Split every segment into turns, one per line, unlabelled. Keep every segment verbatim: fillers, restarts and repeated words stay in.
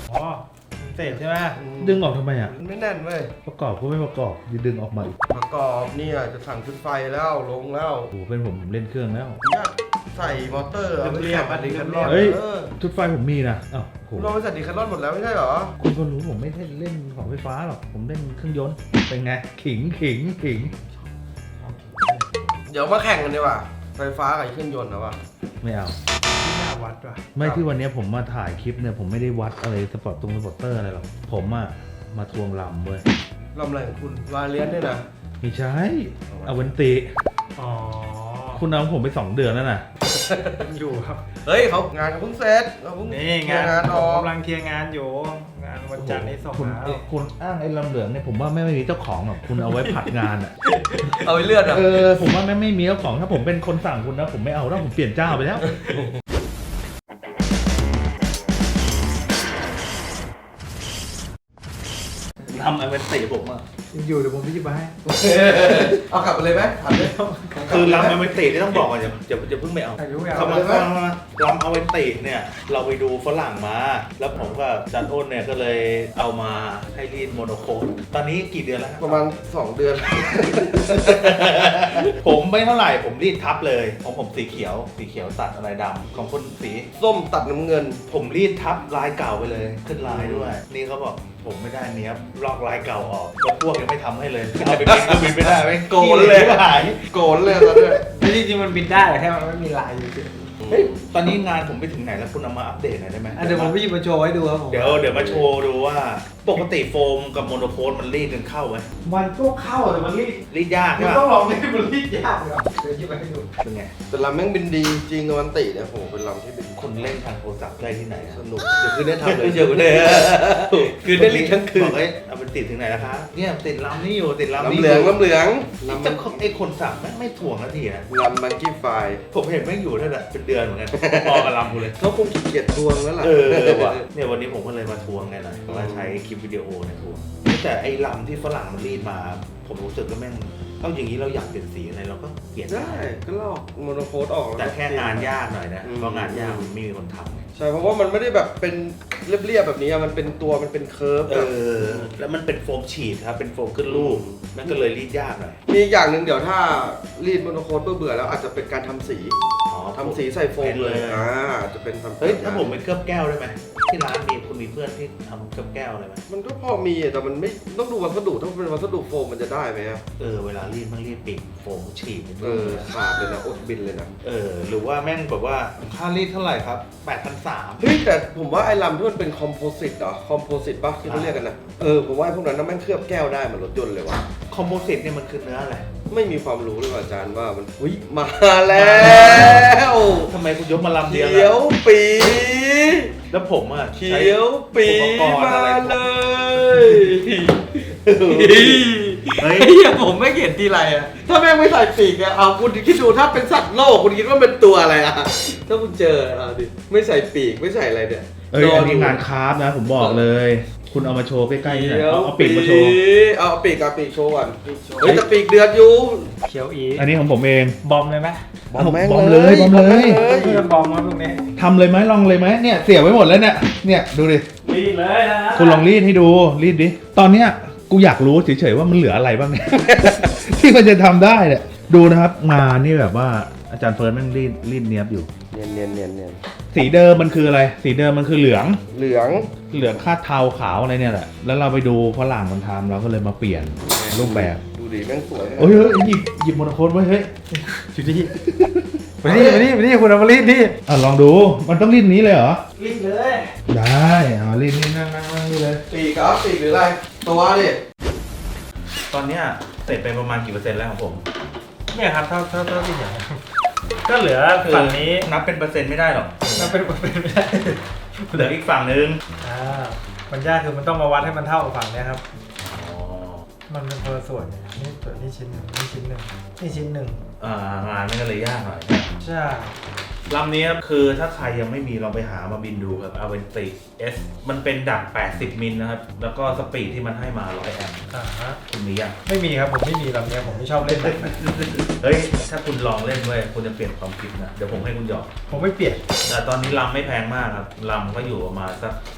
อ๋อเศษใช่ไหม
ดึงออกทำไมอ่ะ
มันไม่แน่นเว้ย
ประกอบก็ไม่ประกอบดึงออกมาอีก
ประกอบเนี่ยจะสั่งชุดไฟแล้วลงแล้ว
โอ้โหเป็นผมผมเล่นเครื่องแล้ว
เนี่ยใส่มอเตอร์เอาไปแข่งกับดีแคทลอน
เฮ้ย
เออ
ชุดไฟผมมีนะอ้าวโห
เราไปใส่ดีแคทลอนหมดแล้วไม่ใช่เหรอ
คุณก็รู้ผมไม่ได้เล่นของไฟฟ้าหรอกผมเล่นเครื่องยนต์เป็นไงขิงขิงขิง
เดี๋ยวมาแข่งกันดีกว่าไฟฟ้ากับเครื่องยนต์นะวะ
ไม่เอา
ที่หน้าวัดว่ะ
ไม่ที่วันนี้ผมมาถ่ายคลิปเนี่ยผมไม่ได้วัดอะไรสปอร์ตตรงสปอร์ตเตอร์อะไรหรอกผมอะมาทวงลำเว้ย
ลำอะไรของคุณวาเลียนด้วยนะ
ไม่ใช่เอาเวนติ
อ๋อ
คุณเอาผมไปสองเดือนแล้วนะ
อยู่ครับ
เฮ้ยเขางานเขาเพิ่งเสร็จเขาเพิ่ง
นี่งาน
งาน
ผ
อ
ม
อก
กำลังเคลียร์งานอยู่งานวันจันทร์นี้ส่ง
คุณ
แล้ว
เอ้ยคุณอ้างไอ้ลำเหลืองเนี่ยผมว่าไม่ไม่มีเจ้าของหรอกคุณเอาไว้ผัดงานอะ
เอาไปเลื่อนอ่ะ
เออผมว่าไม่ไม่มีเจ้าของถ้าผมเป็นคนสั่งคุณนะผมไม่เอาแล้วผมเปลี่ยนเจ้าไปแล้วทำไอเวนติผมอะ
อยู่เดี๋ยวผมไปหยิบมาให้
เอากลับไปเลยไหมถามเลย
คือลำไอเวนตินี่ต้องบอกก่อนอย่าอย่าอย่าเพิ่งไปเอา
อายุยาว
คำว่าลำเอาเวนติเนี่ยเราไปดูฝรั่งมา แล้วผมกับจันอ้นเนี่ยก็เลยเอามาให้รีดโมโนโคดตอนนี้กี่เดือนแล้ว
ประมาณสองเดือน
ผมไม่เท่าไหร่ผมรีดทับเลยของผมสีเขียวสีเขียวตัดอะไรดำของคุณสี
ส้มตัดน้ำเงิน
ผมรีดทับลายเก่าไปเลยขึ้นลายด้วย นี่เขาบอกผมไม่ได้เนี้ยลอกลายเก่าออกแล้วพวกยังไม่ทำให้เลยเอาไปบินก็บินไม่ได้ไม่
โกนเลย
หาย
โกนเลยตอนนี้
แต่จริงๆมันบินได้แต่แค่มันไม่มีลายอยู่เฉย
เฮ้ยตอนนี้งานผมไปถึงไหนแล้วคุณเอามาอัปเดตหน่อยได้ไหม
อ่ะเดี๋ยวผมไปหยิบมาโชว์ให้ดูครับผม
เดี๋ยวเดี๋ยวมาโชว์ดูว่าปกติโฟมกับโมโนโคดมันรีดกันเข้าไหม
มันก็เข้าแต่มันรีด
รีดยาก
มั
ใช่
น
ปะ
ต้องลองรีดมันรีดยากเลยครับเดี๋ยวหยิบมาให้ดู
เป็นไง
แต่ลำแม่งบินดีจริงกับวันติเนี่ยโหเป็นลำที่บิน
คนเล่นทางโทรศัพท์ได้ที่ไหนอะ
สนุกเดี๋ยวคืนนี้ทำเลย
เดี๋ยวเลย
คือได้รีดทั้งคืน
บอกเอ้ยเอาไปติดถึงไหนแล้วคะเนี่ยติดลำนี่อยู่ติดลำ
ลำ
นี่
เหลืองลำเหลือง
ลำ
ลำ
จะไอ้คนสั่งไม่ไม่ถ่วงนาทีนะ
ลำมังกี้ไฟ
ผมเห็นแม่งอยู่นั่นแหละเป็นเดือนเหมือนกันพอกับลำกูเลย
เขาคงขี้เกียจทวงแล้วล่ะ
เออว่ะเนี่ยวันนี้ผมก็เลยมาทวงไงหน่อยมาใช้คลิปวิดีโอเนี่ยทวงแต่ไอ้ลำที่ฝรั่งมันรีดมา ผมรู้สึกก็แม่งเอาอย่างนี้เราอยากเปลี่ยนสีอะไรเราก็เปลี่ยน
ได้ก็ลอกโมโนโคดออก
แต่แค่งานยากหน่อยนะ
อืม
เพราะงานยากมันไม่มีคนทำไง
ใช่เพราะว่ามันไม่ได้แบบเป็นเรียบๆแบบนี้อะมันเป็นตัวมันเป็นเคิร์ฟ
เออแล้วมันเป็นโฟมฉีดครับเป็นโฟมขึ้นรูปนั่นก็เลยรีดยากหน่อย
มีอีกอย่างหนึ่งเดี๋ยวถ้ารีดโมโนโคดเบื่อๆแล้วอาจจะเป็นการทำสี
อ๋อ
ทำสีใส่โฟมเลย
เป็น
อ่าอาจจะเป็นทำ
เฮ้ยถ้าผมเป็นเคลือบแก้วได้ไหมที่ร้านมีคุณมีเพื่อนที่ทำเคลือบแก้วอะไรไหม
มันก็พอมีอะแต่มันไม่ต้องดูวัสดุถ้าเป็นวัสดุโฟมมันจะได้ไหมอะ
เออเวลารีดมันรีดปีกโฟมฉีด
เออขาดเลยนะอดบินเลยนะ
เออหรือว่าแม่งแบบว่าค่ารีดเท่าไหร่ครับแปดพันสาม
เฮ้ยแต่ผมว่าไอ้ลำที่มันเป็นคอมโพสิตเหรอคอมโพสิตปะที่เขาเรียกกันนะเออผมว่าไอ้พวกนั้นน่ะแม่งเคลือบแก้วได้เหมือนรถยนต์เลยว่ะ
คอมโพสิตเนี่ยมันคือเนื้ออะไร
ไม่มีความรู้เลยว่ะอาจารย์ว่ามันอุ้ยมาแล้ว
ทำไมคุณยกมาลำเดี
เขี
ยว
ยว
ล่ะ
ปี
แล้วผมอ่ะ
เขี
ใช้
ยวปี
อุปกรณ์
มา
อะไร
เลย
เฮ้ย
ไอ้เหี้ยผมไม่เห็นทีไรอะถ้าแม่งไม่ใส่ปีกอะเอาคุณคิดดูถ้าเป็นสัตว์โลกคุณคิดว่าเป็นตัวอะไรอะถ้าคุณเจอเอาดิไม่ใส่ปีกไม่ใส่อะไรเนี่ย
เอ้ยอันนี้งานคราฟต์นะผมบอกเลย คุณเอามาโชว์ใกล้ๆนี่หน่อยเอาเอาปีกมาโชว์
เอาปีกกับปีกโชว์ก่อนเฮ้ยแต่ปีกเดือดอยู่
เขียวอี
อันนี้ของผมเอง
บอมเลยไหม
บอมแม่งเลยบอมเลย
เพื่อนบอมมาตรงนี้
ทำเลยไหมลองเลยไหมเนี่ยเสียบไว้หมดแล้วเนี่ยเนี่ยดูดิ
รีดเลยนะ
คุณลองรีดให้ดูรีดดิตอนเนี้ยกูอยากรู้เฉยๆว่ามันเหลืออะไรบ้างเนี่ย ที่มันจะทำได้เนี่ยดูนะครับงานนี่แบบว่าอาจารย์เฟิร์นแม่งรีดรีดเนียบอยู่
เนียนเนียนเนียนเนียน
สีเดิมมันคืออะไร สีเดิมมันคือเหลือง
เหลือง
เหลืองคาดเทาขาวอะไรเนี่ยแหละ แล้วเราไปดูฝรั่งมันทำเราก็เลยมาเปลี่ยนรูปแบบ
ดูดิแม่งสวยนะ
โอ้ยเฮ้ยหยิบหยิบโมโนโคดไว้เฮ้ย
จุดนี้มานี่มานี่มานี่คุณเอามารีดนี่
อ่ะลองดู มันต้องรีดนี้เลยเหรอ
รีดเลย
ได้เอารีดนี่นั่งนั่งนั่งนี่เลย
ปีกครับปีกหรืออะไรตัวดิ
ตอนเนี้ยเสร็จไปประมาณกี่เปอร์เซ็นต์แล้วของผม
เนี่ยครับเท่าเท่าเท่าที่เห็นนะครับก็เหลือฝั่งนี้
นับเป็นเปอร์เซ็นต์ไม่ได้หรอก
นับเป็นเป็นไม่ได้
เหลืออีกฝั่งนึง
อ่ามันยากคือมันต้องมาวัดให้มันเท่ากับฝั่งเนี้ยครับ
อ๋อ
มันเป็นคนละส่วนเนี่ยนี่ส่วนนี้ชิ้นหนึ่งนี่ชิ้นหนึ่งนี่ชิ้นหนึ่ง
อ่างานมันก็เลยยากหน่อย
ใช่
ลำนี้ครับคือถ้าใครยังไม่มีลองไปหามาบินดูครับ a v e n t i S มันเป็นดักแปดสิบมิลนะครับ แล้วก็สปีดที่มันให้มาหนึ่งร้อยแอมป์
อ่าฮะ
คุณมียัง
ไม่มีครับผมไม่มีลำเนี้ยผมไม่ชอบเล่นแบบนั้น
เฮ้ย ถ้าคุณลองเล่นด้วยคุณจะเปลี่ยนความคิดนะ เดี๋ยวผมให้คุณหยอก
ผมไม่เปลี่ยน
แต่ตอนนี้ลำไม่แพงมากครับลำก็อยู่ประมาณสัก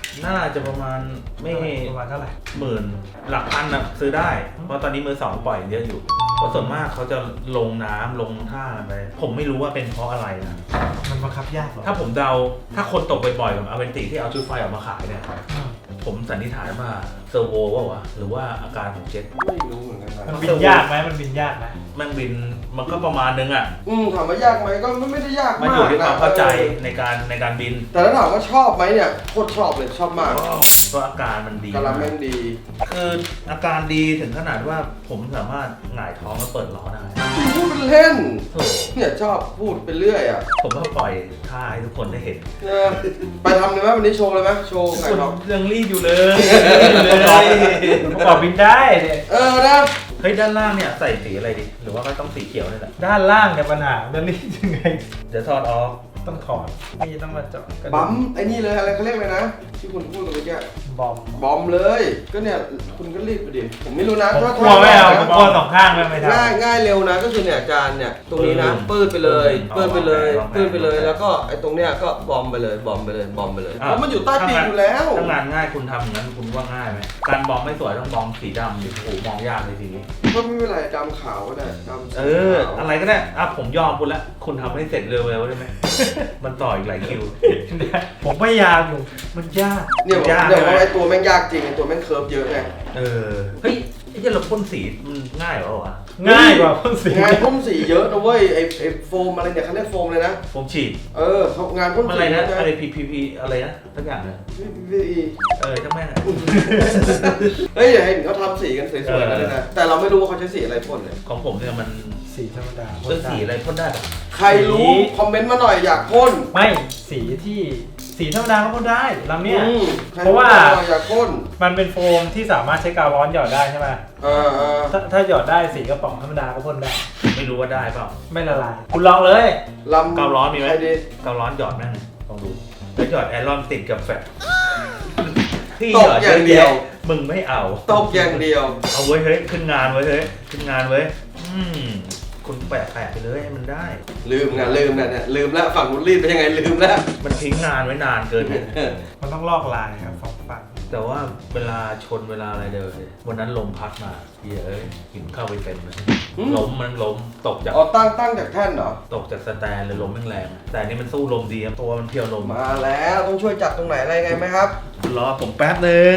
น่าจะประมาณไม่
ประมาณเท่าไหร่
หมื่นหลักพันนะซื้อได้ เพราะตอนนี้มือสองปล่อยเยอะอยู่เพราะส่วนมากเขาจะลงน้ำลงท่าไปผมไม่รู้ว่าเป็นเพราะอะไรนะ
มันบังคับยากเหรอ
ถ้าผมเดาถ้าคนตกบ่อยๆกับอเวนติที่เอาชุดไฟออกมาขายเนี่ย
อืม
ผมสันนิษฐานว่าเซอร์โวว่าวะหรือว่าอาการของเจ็ต
ไม่รู้เหมือนกันนะ
มันบินยากไหมมันบินยากไหม
แมันบินมันก็ประมาณนึงอ่ะ
อืมถามว่ายากไหมก็ไม่ได้ยาก
มัน
มา
อยู่
ก
ที่ความ
นะ
เข้าใจ
ออ
ในการในการบิน
แต่ถ้าถามว่าชอบไหมเนี่ยโคตรชอบเลยชอบมาก
ก็อาการมันดี
กำลังแม่งดี
คืออาการดีถึงขนาดว่าผมสามารถหงายท้องแล้วเปิดล้อได้
พูดเป็นเล่น
โอ้
เนี่ยชอบพูดไปเรื่อยอ่ะ
ผมก็ปล่อยท่าให้ทุกคนได้เห็น
เออไปทำเลยไหมวันนี้โชว์เลยไหมโชว์ไก่ทอง
ยังรีบอยู่เลยอยู่เลย
ประกอบบินได้เนี่ย
เออนะ
เฮ้ยด้านล่างเนี่ยใส่สีอะไรดี หรือว่าก็ต้องสีเขียวนี่แหละ
ด้านล่างเนี่ยปัญหาจะรีดยังไง
เดี๋ยวถอดออก
ต้องถอดนี่ต้องมาเจาะกระดูก
ปั๊มไอ้นี่เลยอะไรเขาเรียกเลยนะ ที่คุณพูดกันเมื่อกี้
บอม
บอมเลย ก็เนี่ยคุณก็รีบไปดิผมไม่รู้นะ
ผม
ถ้าก
ลัวไม่เอาผมกลัวสองข้างเลยไม่ทำ
ง่ายง่ายเร็วนะก็คือเนี่ยอาจารย์เนี่ยตรงนี้นะปื้ดไปเลยปื้ดไปเลยปื้ดไปเลยแล้วก็ไอ้ตรงเนี้ยก็บอมไปเลยบอมไปเลยบอมไปเลยเพราะมันอยู่ใต้ปีกอยู่แล้ว
ถ้างานง่ายคุณทำอย่างนั้นคุณว่าง่ายไหมการบอมไม่สวยต้องบอมสีดำดิโอ้โหมองยากเลยทีนี้
ก็ไม่เป็นไรดำขาวก็ได้ดำสี
เออ
ขาว
อะไรก็ได้อ่ะผมยอมคุณละคุณทำให้เสร็จเร็วๆได้ไหม มันต่ออีกหลายคิว
ผมพยายามอยู่มันยาก
เนี่ยบอก
ยาก
เดี๋ยว
ใช่ไหม
ไอ้ตัวแม่งยากจริงไอ้ตัวแม่งเคิร์ฟเยอะไง
เออเฮ้ยไอ้เจ้าเราพ่นสีมันง่ายเหรอวะ
ง่ายกว่าพ่นสี
งานพ่นสีเยอะนะเว้ยไอ้ไอ้โฟมอะไรเนี่ยเขาเรียกโฟมเลยนะ
ผมฉีด
เออเขางานพ่น
มัน
สี
อะไรนะ
เย
อะไร พี พี พี อะไรนะสักอย่างเลย
พี
เออช่างแม่งอะ
เฮ้ยอย่าเห็นเขาทำสีกันสวยๆกันเลยนะแต่เราไม่รู้ว่าเขาใช้สีอะไรพ่นเลย
ของผมเนี่ยมัน
สีธรรมดา
เลือกสีอะไรพ่นได้ปะ
ใครรู้คอมเมนต์มาหน่อยอยากพ่น
ไม่สีที่สีธรรมดาก็พ่นได้ลำเนี้ย
อืมใค
เพราะว่า
หน่อยอยากพ่น
มันเป็นโฟมที่สามารถใช้กาวร้อนหยอดได้ใช่ไหม
เออเออ
ถ้าถ้าหยอดได้สีกระป๋องธรรมดาก็พ่นได้
ไม่รู้ว่าได้เปล่า
ไม่ละลายคุณลองเลย
ลำ
กาวร้อนมีไหม
ใครดี
กาวร้อนหยอดแม่งลองดูแล้วหยอดแอรอนติดกับแฟตพี่
ต
ห
ก
ยอด
อย่างเดียว
มึงไม่เอา
ตกอย่างเดียว
เอาไว้ยเฮ้ยขึ้นงานไว้ยเฮ้ยขึ้นงานไว้ยอืมคุณแปะแปะไปเลยให้มันได้
ลืมนะลืมนะเนี่ยลืมแล้วฝั่งนู้นรีดไปยังไงลืมแล้ว
มันทิ้งงานไว้นานเกินเนี่ย
มันต้องลอกลายครับสองฝั่ง
แต่ว่าเวลาชนเวลาอะไรเดินเลยวันนั้นลมพัดมาเหี้ยเอ้ยหินเข้าไปเต็มเลย
อืม
ล้มมันล้มตกจาก
อ๋อตั้งตั้งจากแท่นเหรอ
ตกจากสแตนเลยลมแรงๆแต่อันนี่มันสู้ลมดีครับตัวมันเพียวลม
มาแล้วต้องช่วยจัดตรงไหนอะไรไงไหมครับ
รอผมแป๊บหนึ่ง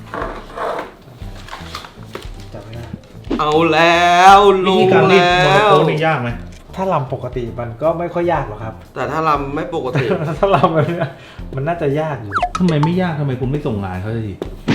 จับไม่ได้
เอาแล้ว
วิ
ลุ
ธี
ง
การรีด
แล้
โมโน
ว
โคนี่ยากไหม
ถ้าลำปกติมันก็ไม่ค่อยยากหรอกครับ
แต่ถ้าลำไม่ปกติ
ถ้าลำแบบเนี้ยมันน่าจะยากอยู่
ทำไมไม่ยากทำไมคุณไม่ส่งงานเขาสักที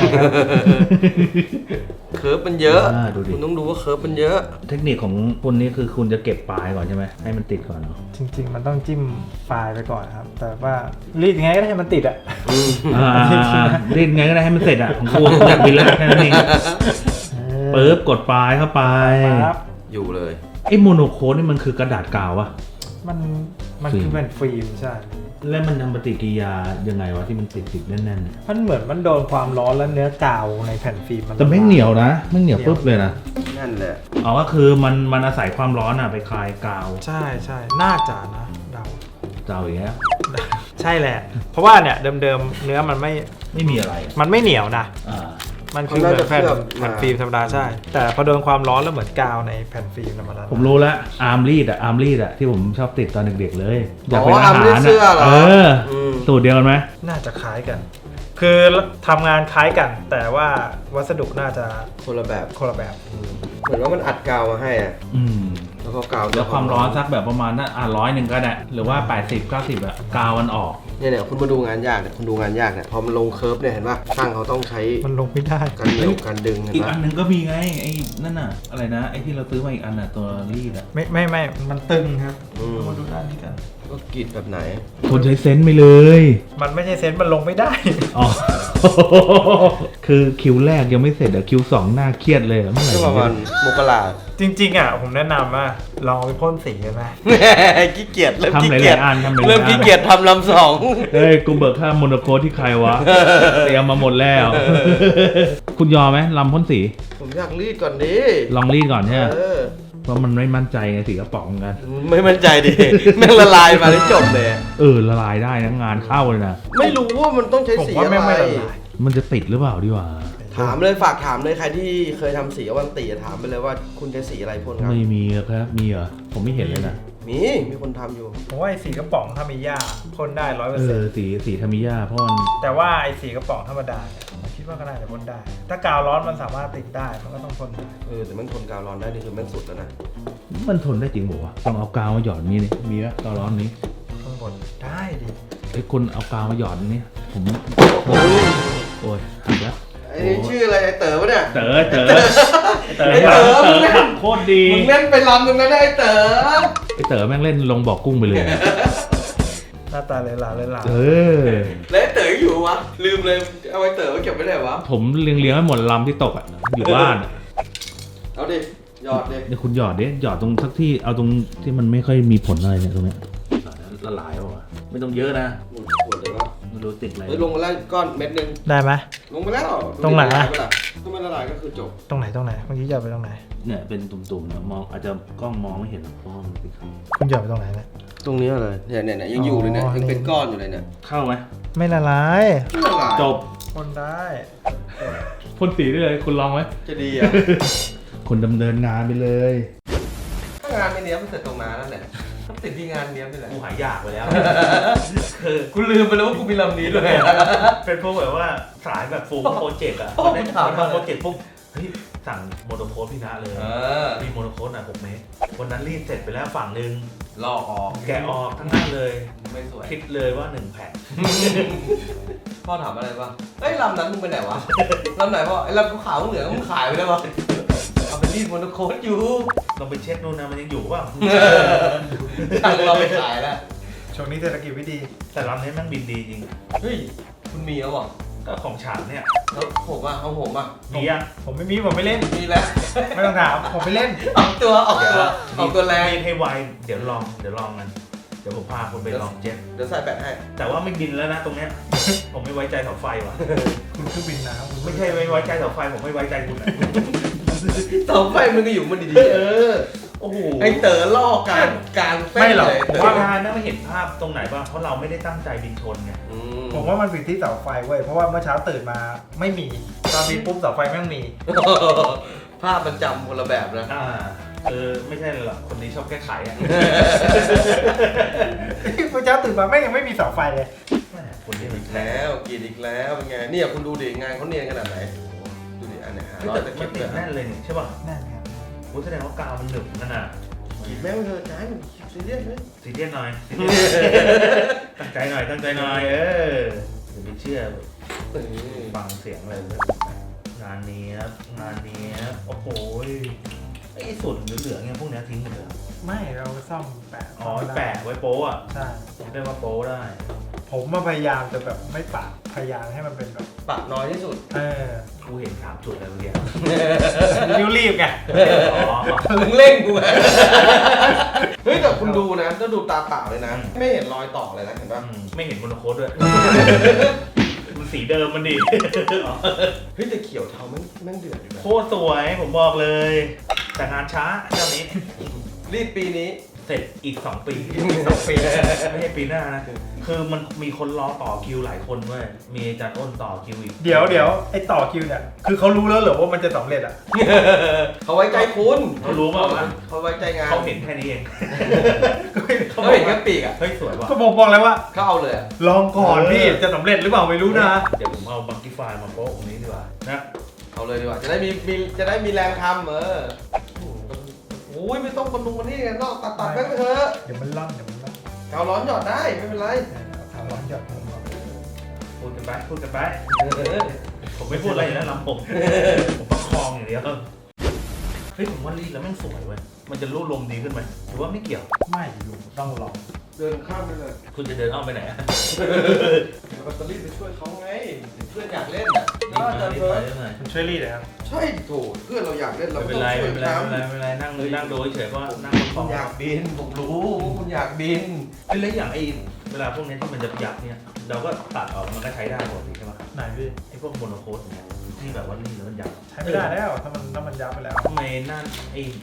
เคิร์ฟมันเยอะ
อ่าดูดิ
คุณต้องดูว่าเคิร์ฟมันเยอะ
เทคนิคของคุณนี่คือคุณจะเก็บปลายก่อนใช่ไหมให้มันติดก่อนเนาะ
จริง ๆ มันต้องจิ้มปลายไปก่อนครับ แต่ว่ารีดยังไงก็ได้ให้มันติดอ่ะ
อ่ารีดไงก็ได้ให้มันเสร็จอ่ะของกูอยากบินแล้วแค่นั้นเองปึ๊บกดปลายเข้าไป
ครับ
อยู่เลย
ไอ้โมโนโคนี่มันคือกระดาษกาววะ
มันมัน
ฟิล์ม
คือเป็นฟิล์มใช่
แล้วมันทำปฏิกิริยายังไงวะที่มันติดติดๆแน่น
มันเหมือนมันโดนความร้อนแล้วเนื้อกาวในแผ่นฟิล์มมัน
ๆแต่ไม่เหนียวนะไม่เหนียวปุ๊บเลยนะ
นั่นแหละ
อ๋อก็คือมันมันอาศัยความร้อนอ่ะไปคลายกาว
ใช่ใช่น่าจะนะเดา
เจ้าอย่างเงี้ย
ใช่แหละ เพราะว่าเนี่ยเดิมๆเนื้อมันไม่
ไม่มีอะไร
มันไม่เหนียวนะ
อ่า
มันคือเหมือนแผ่นแผ่นฟิล์มธรรมดาใช่ แต่พอโดนความร้อนแล้วเหมือนกาวในแผ่นฟิล์มธรรมดา
ผมรู้แล้วอาร์มรีดอะอาร์มรีดอะที่ผมชอบติดตอนเด็กๆเลยอยาก
อ๋
เป็น
อ
อา
อาร์ม
หา
รีด
ร
เสื้อเหรอ
เออ
ม
สูตรเดียวกันไหม
น่าจะคล้ายกัน คือทำงานคล้ายกัน แต่ว่าวัสดุน่าจะ
คนละแบบ
คนละแบบ
เหมือนว่ามันอัดกาวมาให้อะ
อืม
แล้วก็กาว
แล้วความร้อนสักแบบประมาณนั้นอ่ะร้อยหนึ่งก็ได้หรือว่าแปดสิบเก้าสิบอะกาวมันออก
เนี่ยเนี่ยคุณมาดูงานยากเนี่ยคุณดูงานยากเนี่ยพอมันลงเคิร์ฟเนี่ยเห็นป่ะช่างเขาต้องใช้
มันลงไม่ได้
การเหนียวการดึงเห็น
อีก
ป่ะ
อันหนึ่งก็มีไงไอ้นั่นน่ะอะไรนะไอ้ที่เราซื้อมาอีกอันน่ะตัวรีดอะ
ไม่ไม่ไม่มันตึงครับ
อืม
มาดูด้านนี้กัน
ก็กรีดแบบไหน
คนใช้เซนส์ไปเลย
มันไม่ใช่เซนส์มันลงไม่ได้
อ๋อ คือคิวแรกยังไม่เสร็จอะคิวสองหน้าเครียดเลยอะเมื่อไหร่
ก็ประมาณมกรา
จริงๆอ่ะผมแนะนำว่าลองเอาไปพ่นสีกันไหม
ขี้เกียจเริ่ม
ทำ
ขี้
หลา
เกียจ
ยๆอันทำหลายๆอัน
เริ่มขี้เกียจทำลำสอง
เฮ้ยกูเบิกค่าโมโนโคที่ใครวะ เตรียมมาหมดแล้ว คุณยอมไหมลำพ่นสี
ผมอยากรีดก่อนดิ
ลองรีดก่อนใช่ไหม
เออ
เพราะมันไม่มั่นใจไงสีกระป๋องกัน
ไม่มั่นใจดิ แม่งละลายมาได้จบเลย
เออละลายได้นะงานเข้าเลยนะ
ไม่รู้ว่ามันต้องใช้
ผม
สี
ว่า
อะ
แม่ง
ไร
ไม่ละลาย
มันจะติดหรือเปล่าดีกว่า
ถามเลยฝากถามเลยใครที่เคยทำสีอวันตีอะถามไปเลยว่าคุณใช้สีอะไรพ่นครับ
ไม่มีครับมีเหรอผมไม่เห็นเลยนะ
มีมีคนทำอยู่
ผมว่าไอ้สีกระป๋องถ้ามีหญ้าพ่นได้ร้อยเปอ
เอ
ร์เซ็น
อ
ต์
สีสีธรรมิยาพ่อมัน
แต่ว่าไอ้สีกระป๋องธรรมดาเนี่ยผมคิดว่าก็น่าจะพ่นได้ ถ้ากาวร้อนมันสามารถติดได้มันก็ต้องพ่นได้
เออแต่มันทนกาวร้อนได้นี่คือแม่งสุดแล้วนะ
มันทนได้จริงบอกว่าต้องเอากาวมาหยอดนี่นี่มีไหมกาวร้อนนี้
ข้างบนได้ดิ
ไอ้คนเอากาวมาหยอดนี่ผมโอ้ยหักแล้ว
ไอ้นี่ชื่ออะไรไอ้เต๋อปะเนี่ย
เต๋อเต๋อเต๋อ
ไอ้เต๋อ
เต๋
มึง
อ
เล่น
ขับโคตรดี
มึงเล่นไปลำตรงนั้นนะไอ้เต๋อ
ไอ้เต๋อแม่งเล่นลงบ่อกุ้งไปเลย
หน้าตาเลยหลาเลยหลา
เออ
แล้วไอ้เต๋ออยู่วะลืมเลยเอาไอ้เต๋อมาเก็บไว้ไหนวะ
ผมเลี้ยงเลี้ยงๆไว้หมดลำที่ตกอ่ะอยู่บ้านอะ
เอาดิหยอดดิ
เดี๋ยวคุณหยอดดิหยอดตรงสักที่เอาตรงที่มันไม่ค่อยมีผลอะไรเนี่ยตรงเนี้ยละลายป่ะไม่ต้องเยอะนะ
หมดขวดเลยวะ
ไม่รู้ติดอะไร
เฮ้ยลงมาแล้วก้อนเม็ดหนึง
ได้ไหม
ลงมาแล้ว
ตรงไหนอะ
ละลายปะล่ะถ้ามันละลายก็คือจบ
ตรงไหนตรงไหนเมื่อกี้หยอดไปตรงไหน
เนี่ยเป็นตุ่มๆนะมองอาจจะกล้องมองไม่เห็นหรอกเพราะว่ามันติดขัด
คุณหยอดไปตรงไหนเนี่ย
ตรงนี้เลยเนี่ยเนี่ยเนี่ยยังอยู่เลยเนี่ย
อ๋อ
ยังเป็นก้อนอยู่เลยเนี่ย
เข้าไหม
ไม่ละลาย
ไม่ละลาย
จบ
พ่นได้
พ่นสีได้เลยคุณลองไหม
จะดีอ่ะ
คุณดำเนินงานไปเลย
ถ้างานไม่เนี้ยมันเสร็จตรงนั้นนั่นแหละถ้าติดที่งานเนี้ยนี่แหละ
กูหายอยากไปแล้ว
กูลืมไปแล้วว่ากูมีลำนี้ด้วย
เป็นพวกแบบว่าสายแบบฟูลโปรเจกต์อ่ะ
โอ้
ได้
ถามมา
ทำโปรเจกต์ปุ๊บเฮ้ยสั่งโมโนโคสพี่นะเลย
เออ
มีโมโนโคสอ่ะหกเมตรวันนั้นรีดเสร็จไปแล้วฝั่งหนึ่ง
ลอกออก
แกะออกทั้งนั้นเลย
ไม่สวย
คิดเลยว่าหนึ่งแผ่น
พ่อถามอะไรป่ะเอ้ยลำนั้นมึงไปไหนวะลำไหนพ่อไอ้ลำขาวๆเหลืองมึงขายไปแล้ววะเอาไปรีดโมโนโคสอยู่
ลองไปเช็คนู่นนะมันยังอยู่เปล่า
ช่างเราไปขายแล้ว
ช่วงนี้เศรษฐกิจไม่ดี
แต่ลำนี้แม่งบินดีจริง
เฮ้ยคุณมีแล้วเหรอ
ก็ของฉางเนี่ย
แล้วผมอ่ะเอาผมอ่ะ
ดีอ่ะ
ผมไม่มีผมไม่เล่น
มีแล้ว
ไม่ต้องถามผมไม่เล่น
ออกตัวออกตัวออกตัวแรง
รีดให้ไวเดี๋ยวลองเดี๋ยวลองกันเดี๋ยวผมพาคุณไปลองเจ็ต
เดี๋ยวใส่แบตให้
แต่ว่าไม่บินแล้วนะตรงเนี้ย ผมไม่ไว้ใจเสาไฟว่ะ
คุณเครื่องบินน้ำคุณ
ไม่ใช่ไม่ไว้ใจเสาไฟผมไม่ไว้ใจคุณอะ
เสาไฟมันก็อยู่มันดี
เออโอ้โห
ๆไอ้เต๋อล่อการการเส้น
ไม่หรอก
เลย
ผมว่าทานนะไม่เห็นภาพตรงไหนบ้างเพราะเราไม่ได้ตั้งใจบินชนไง
อืม
ผมว่ามันผิดที่เสาไฟเว้ยเพราะว่าเมื่อเช้าตื่นมาไม่มีตอนมีปุ๊บเสาไฟแม่งมี
ภาพมันจำคนละแบบนะ
อ่าเออไม่ใช่หรอกคนนี้ชอบแก้ไขอ่ะ
เมื่อเช้าตื่นมาแม่งยังไม่มีเสาไฟเลย
แม่คนนี้มัน
แล้วกินอีกแล้วเป็นไงเนี่ยคุณดูดิงานเขาเนียนขนาดไหนดูดิอันเนี้ยฮะ
เฮ้ย
แต่
แต่
ตะ
มั
เข็
น
บ
ติ
เนี่
ด
ย
แน่นเลยนี่ใช่ป่ะ
นั่นครับ
โอ้แสดงว่ากาวมันหนึบนั่นน่ะ
ขีดแม่งเถอะจ้าซีเรียสไหม
ซีเรียสหน่อยซีเรียสตั้งใจหน่อยตั้งใจหน่อยเอออย่าไปเชื่อฟังเสียงอะไรเลยงานนี้ครับงานนี้ครับโอ้โหไอ้ส่วนเหลืองๆเนี่ยพวกเนี้ยทิ้งหมดเลยเหรอ
ไม่เราซ่อมแปะ
อ๋อแปะไว้โป๊ะอ่ะ
ใช่
เรียกว่าโป๊ะได้
ผมมาพยายามจะแบบไม่ปะพยายามให้มันเป็นแบบ
ปะน้อยที่สุด
เออ
กูเห็นสามจุดแล้วเมื่อกี้
ริ้วรีบไง
อ๋อ
มึงเร่งกูไงเฮ้ยแต่คุณดูนะก็ดูตาเปล่าเลยนะ ไม่เห็นรอยต่อเลยนะเห็นป่ะ
อืมไม่เห็นโมโนโคสด้วยมันสีเดิมมันดี
เฮ้ยแต่เขียวเทาแม่งแม่งเดือดอยู่นะ
โคตรสวยผมบอกเลย แต่งานช้าเจ้านี้
รีดปีนี้
เสร็จอีกสองปี
อีกสองปี
ไม่ใช่ปีหน้านะ คือมันมีคนรอต่อคิวหลายคนเว้ยมีอาจารย์อ้นต่อคิวอีก
เดี๋ยวเดี๋ยวไอ้ต่อคิวเนี่ยคือเขารู้แล้วเหรอว่ามันจะสำเร็จอ่ะ
เขาไว้ใจคุณ
เขารู้ป่าวว่า
เขาไว้ใจงาน
เขาเห็นแค่นี้เอง
เขาเห็นแค่ปีกอ่ะ
เฮ้ยสวยว่ะ
ก็บอกบอกแล้วว่า
เขาเอาเลยอะ
ลองก่อนพี่จะสำเร็จหรือเปล่าไม่รู้นะ
เดี๋ยวผมเอาบังกี้ไฟล์มาโป๊ะตรงนี้ดีกว่านะ
เอาเลยดีกว่าจะได้มีมีจะได้มีแรงทำเออโอ้ยไม่ต้องคนนุงคนนี้กันนอกตัดตัดแม่งไปเถอะ
เดี๋ยวมันล่อนเดี๋ยวมันล่อน
เการ้อนหยอดได้ไม่เป็นไร
ทำร้อนหยอดผมบอก
พูดกันไปพูดกันไปผมไม่พูดอะไรอยู่แล้วลำผมผมประคองอย่างเดียวเฮ้ยผมว่ารีดแล้วแม่งสวยเว้ยมันจะรูดลมดีขึ้นไหมหรือว่าไม่เกี่ยว
ไม่อยู่ต้องลอง
เดินข้ามไปเลย
คุณจะเดินอ้อมไปไหนอะ
เดี๋ยวแบตเตอรี่ไปช่วยเขาไงเพื่อนอยากเล่นอ่ะ
รีบ
น่า
มา
จะ
รีบ
เพิ่
มาม รีบมา
คุณช่วยรีดเลยครับ
ใช่โถเพื่อนเราอยากเล่นเรา
ไม่
ก็
เป็น
ต้อง
ไร
ช่ว
ไม่
ย
เป็นไรไม่
ทำ
เป็นไรไม่เป็นไรนั่งดูนั่งดูเฉยๆก็นั่งประค
คุ
อง
ณอยากบินผมรู้ว่าคุณอยากบิน
เฮ้ยแล้วอย่างไอ้เวลาพวกนี้ที่มันจะยับเนี่ยเราก็ตัดออกมันก็ใช้ได้ปกติใช่ไหม
ไหนพี่
ไอ้พวกโมโนโคสเนี่ยที่แบบว่ารีดแล้วมันยับ
ใช้ไม่ได้แล้วถ้ามันถ้ามันยับไปแล้ว
ทำไมนั่นไอ้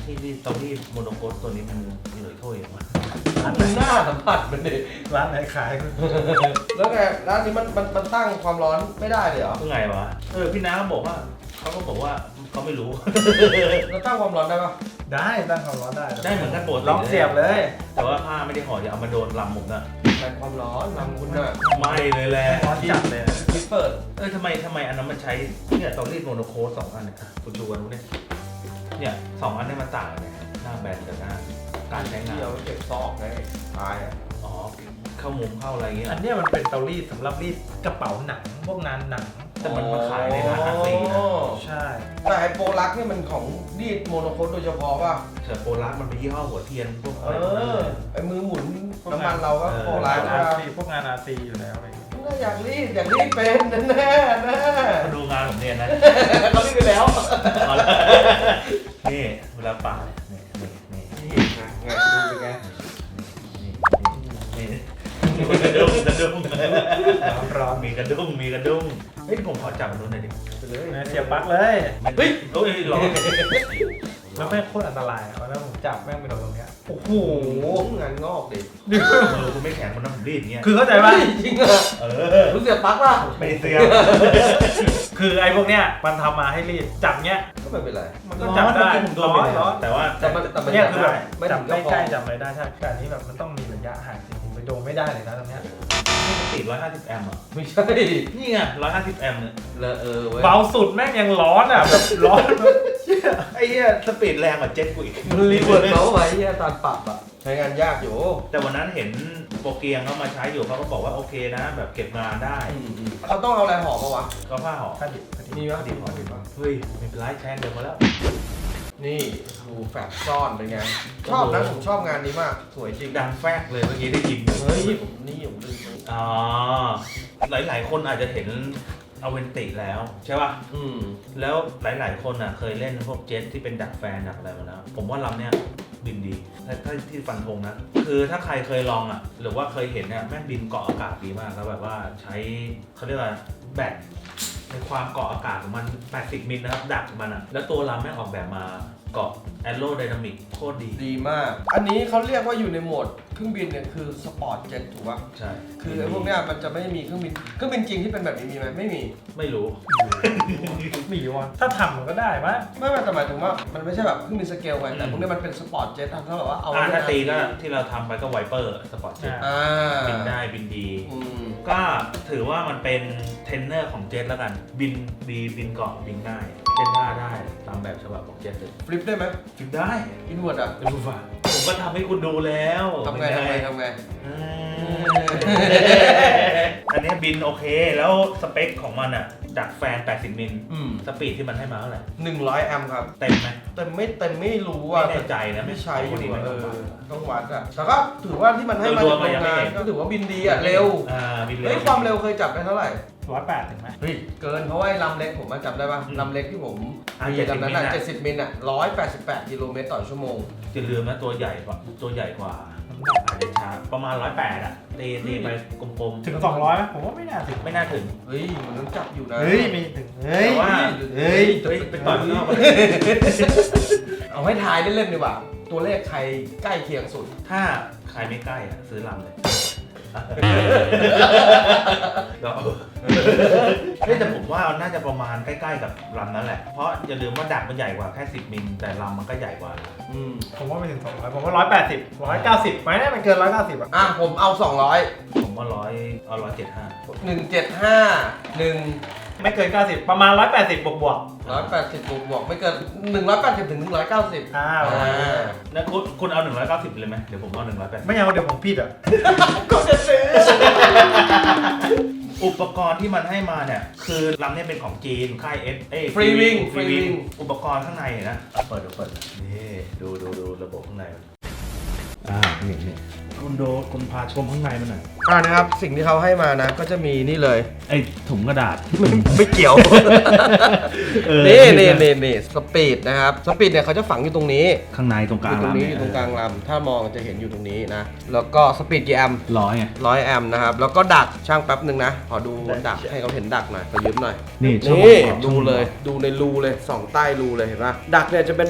ที่ที่เตารีดโมโนโคสตัวนี้มันเหลือถ้วยมา
มันหน้าสัมผัสมันดิ
ร้านไหนขาย
แล้วไงร้านนี้มันมันมันตั้งความร้อนไม่ได้เลยเหรอ
เมื่อไงวะเออพี่น้าเขาบอกว่าเขาก็บอกว่าเขาไม่รู้
แล้วตั้งความร้อนได้ปะ
ได้ตั้งความร้อนได้
ได้เหมือนกันปกติ
ลองเสียบเลย
แต่ว่าผ้าไม่ได้ห่ออย่าเอามาโดนลำผมนะ
แรงความร้อนลำคุณน่ะ
ไม่เลยแหละ
ร้อนจัดเลย
คิดเปิด
เออทำไมทำไมอันนั้นมันใช้เนี่ยเตารีดโมโนโคสสองอันเนี่ยคุณดูกันดูเนี่ยเนี่ยสองอันเนี่ยมันต่างกันเนี่ยหน้าแบนกับหน้าการใช้งาน
ที่เอาไว้เก็บซอกไงตายอ่ะ
อ๋อเข้ามุมเข้าอะไรอย่างเงี้ย
อันเนี้ยมันเป็นเตารีดสำหรับรีดกระเป๋าหนังพวกงานหนัง
แต่มันมาขายในร้านอาซีนะ
อ๋อ
ใช่
แต่ไอโปรลักนี่มันของรีดโมโนโคสโดยเฉพาะป่ะ
เสือโปลักมันเป็นยี่ห้อหัวเทียนพวก
เอ
อะไรพวกนั้น
อ
เลย
ไอมือหมุนน้ำมันเราก็
เออ
โปรลัก
งาน
นะ
อาซีพวกงานอาซีอยู่แล้วอะไรอย่างเงี้ย
ก็อยากรีดอยากรีดเป็นแน่แน่แน่
มาดูงานผมเนี่ยนะ
เขารีดไปแล้ว
เอาละนี่เวลาป่าเนี่ยนี่นี่นี่
นี่ไงไงดูเป็นไง
นี่นี่กระดุมกระดุม
ร้อนร้อน
มีกระดุมมีกระดุมเฮ้ยผมขอจับมันดูหน่อยดิ
ไปเลย
นะเสียบปลั๊กเลย
เฮ้ยเฮ้ยร้อน
แล้วแม่งโคตรอันตรายอ่ะวันนั้นผมจับแม่งไปโดนตรงเนี้ยโอ้โห
โอ้โหงานงอกดิ
มือคุณไม่แข็งมันน้ำผมรีดอย่างเงี้ย
คือเข้าใจป่ะ
จริงเหรอ
เออ
รู้เสียบปลั๊กป่ะ
ไม่เสีย
คือไอ้พวกเนี้ยมันทำมาให้รีดจับเนี้ย
ก็ไม่เป็นไร
มันก็จับได้
ผมโดนไป
ร้อน
แต่ว่า
แต่มันแต่มัน
เนี่ยคือแบบ
ไม่
จับ
ถึง
ใก
ก็พอ
ล้ๆจับอะไรได้ใช่แต่อันนี้แบบมันต้องมีระยะห่างจริงๆไปโดนไม่ได้เลยนะตรงเนี้ย
ติดร้อยห้าสิบแอมป์อ่ะ
ไม่ใช่
นี่ไงร้อยห้าสิบแอมป์เนี่ย
เลอะเออเว้ย
เบาสุดแม่งยังร้อนอ่ะแบบร้อนแบบเชี่ย
ไอ้เหี้ยสปีดแรงกว่าเจ็ตกูอีก
มันรีเวิร์ดเมาส์ไว้ที่ตอนปรับอ่ะใช้งานยากอยู่
แต่วันนั้นเห็นโปรเกียงเขามาใช้อยู่เขาก็บอกว่าโอเคนะ แบบเก็บงานได้
เขาต้องเอาอะไรห่อปะวะ
ก็ผ้าห่อ
ผ้าดิบผ้าดิบ
มีวะ
ดิบห่อดิบห่อเฮ้ยไม่เป็นไรใช้เดิมมาแล้ว
นี่ดูแฟบซ่อนเป็นไง ชอบนะผมชอบงานนี้มาก สวยจริง
ดังแฟกเลยเมื่อกี้ได้ยิน
เฮ้ยผมนี่ผมดึง
อ๋อหลายๆ คนอาจจะเห็นอเวนติแล้วใช่ป่ะ
อืม
แล้วหลายๆ คนอ่ะเคยเล่นพวกเจ็ตที่เป็นดักแฟนดักอะไรมาแล้วผมว่าลำเนี้ยบินดีถ้าถ้าที่ฟันธงนะ คือถ้าใครเคยลองอ่ะหรือว่าเคยเห็นเนี่ยแม่งบินเกาะอากาศดีมากแล้วแบบว่าใช้เขาเรียกว่าแบตในความเกาะอากาศของมันแปดสิบมิลนะครับดักมันอ่ะแล้วตัวลำแม่งออกแบบมาเกาะแอโรไดนามิกโคตรดี
ดีมาก อันนี้เขาเรียกว่าอยู่ในโหมดเครื่องบินเนี่ยคือสปอร์ตเจ็ตถูกปะ
ใช่
คือไอ้พวกเนี้ยมันจะไม่มีเครื่องบิน เครื่องบินจริงที่เป็นแบบนี้มีไหมไม่มี
ไม่รู้
มีวะถ้าทำมันก็ได้ปะ
ไม่ไม่แต่หมายถึงว่ามันไม่ใช่แบบเครื่องบินสเกลไงแต่พวกเนี้ยมันเป็นสปอร์ตเจ็ตถ้าแบบว่าเอา
อ่า
ไว้
ถ้าตีก็
ใน
ที่เราทำไปก็ไวเปอร์สปอร์ตเจ็ต
อ่า
บินได้บินดี
อืม
ก็ถือว่ามันเป็นเทรนเนอร์ของเจ็ตแล้วกัน บินดีบินเกาะบินง่ายเล่นท่าได้ตามแบบฉบับของเจ็ตเลย
ฟลิปได้ไหม
บินได้
อินเวอร์ดอ่ะ
ดูฝ่าผมก็ทำให้คุณดูแล้ว
ทำไงทำไงทำไง
อืมอันนี้บินโอเคแล้วสเปคของมันอ่ะ ดักแฟน แปดสิบ มิล
อืม
สปีดที่มันให้มาเท่าไหร่
หนึ่งร้อยแอมป์ครับ
เต็มไหม
แต่ไม่เต็มไม่รู้
ไม่
ว่า
แน่ใจนะ
ไม่ใช้อยู่
ดี
อะ
ไม่
เอ
ต้อง
อ
วัด
ต้องวัดอ่ะแต่ก็ถือว่าที่มันให้มา
โด
จาก
ยรวม
โรง
มันยังไม่
งาน
เห็น
ก็ถือว่าบินดีอ่ะเร็ว
อ่าบินเร็
เฮ้ยว ความเร็วเคยจับได้เท่าไหร่
ร้อยแปดถึงไหม
เฮ้ยเกินเพราะว่าไอ้ลำเล็กผมมาจำได้ป่ะ
อืม
ลำเล็กที่ผม
อ่ะ
มีลำนั้นอ่ะ
เจ็
เจ็
ด
ด
สิ
สิ
บบ มิ
มิ
ล
ลอ่ะร้อยแปดสิบแปดกิโลเมตรต่อชั่วโมง
อย่าลืมนะตัวใหญ่กว่าตัวใหญ่กว่าอาจจะช้าประมาณร้อยแปดอ่ะตีตีไปกลม
ถึงสองร้อยไหมผมว่าไม่น่าถึง
ๆไม่น่าถึง
เฮ้ยมันต้องจับอยู่นะ
เฮ้ยมีถึงเฮ้ย
แต่ว่า
เฮ้ย
เฮ้ยไปต่อยข้างนอกมา
เอาให้ทายเล่นๆดีกว่า ตัวเลขใครใกล้เคียงสุด
ถ้าใครไม่ใกล้อ่ะซื้อลำเลยก็เฮ้ยแต่ผมว่าน่าจะประมาณใกล้ๆกับลำนั้นแหละ เพราะอย่าลืมว่าดักมันใหญ่กว่าแค่สิบมิลแต่ลำมันก็ใหญ่กว่า
อืม
ผมว่าไม่ถึงสองร้อยผมว่าร้อยแปดสิบร้อยเก้าสิบไหมเนี่ยมันเกินร้อยเก้าสิบอ่ะ
อ่ะผมเอาสองร้อย
ผมว่าร้อยเอาร้อยเจ็ดห้า
หนึ่งเจ็ดห้าหนึ่ง
ไม่เกินเก้าสิบประมาณร้อยแปดสิบบวกบวก
ร้อยแปดสิบบวกบวกไม่เกินหนึ่งร้อยแปดสิบถึงหนึ่งร้อยเก้าสิบ
อ่า
อ่า
แล้วคุณคุณเอาหนึ่งร้อยเก้าสิบเลยไหมเดี๋ยวผมเอาหนึ่งร้อยแปดสิบ
ไม่เอาเดี๋ยวผมผิดอ่ะ
ก็จะซื้อ
อุปกรณ์ที่มันให้มาเนี่ย คือลำเนี่ยเป็นของจีนค่ายเอสเอ้
ฟรีวิ่ง
ฟรีวิ่งอุปกรณ์ข้างในเนี่ยนะเอาเปิดดูเปิดนี่ดูดูดูระบบข้างในมันอ่านี่นี่คุณดูคุณพาชมข้างในมันหน่อย
อ่านะครับสิ่งที่เขาให้มานะก็จะมีนี่เลย
ไอ้ถุงกระดาษ
ไม่ไม่เกี่ยว
เออ
นี่นี่นี่นี่สปีดนะครับสปีดเนี่ยเขาจะฝังอยู่ตรงนี้
ข้างในตรงก
อ
ลาง
ยู่ตรง
ลำ
นี้
เนี่
อย ยู่ตรงกลางลำถ้ามองจะเห็นอยู่ตรงนี้นะแล้วก็สปีดกี่แอมป์
ร้อยไง
ร้อยแอมป์นะครับแล้วก็ดักช่างแป๊บหนึ่งนะขอดูดักให้เขาเห็นดักหน่อยขอยืมหน่อย
นี่
นี่ดูเลยดูในรูเลยสองใต้รูเลยเห็นปะดักเนี่ยจะเป็นดัก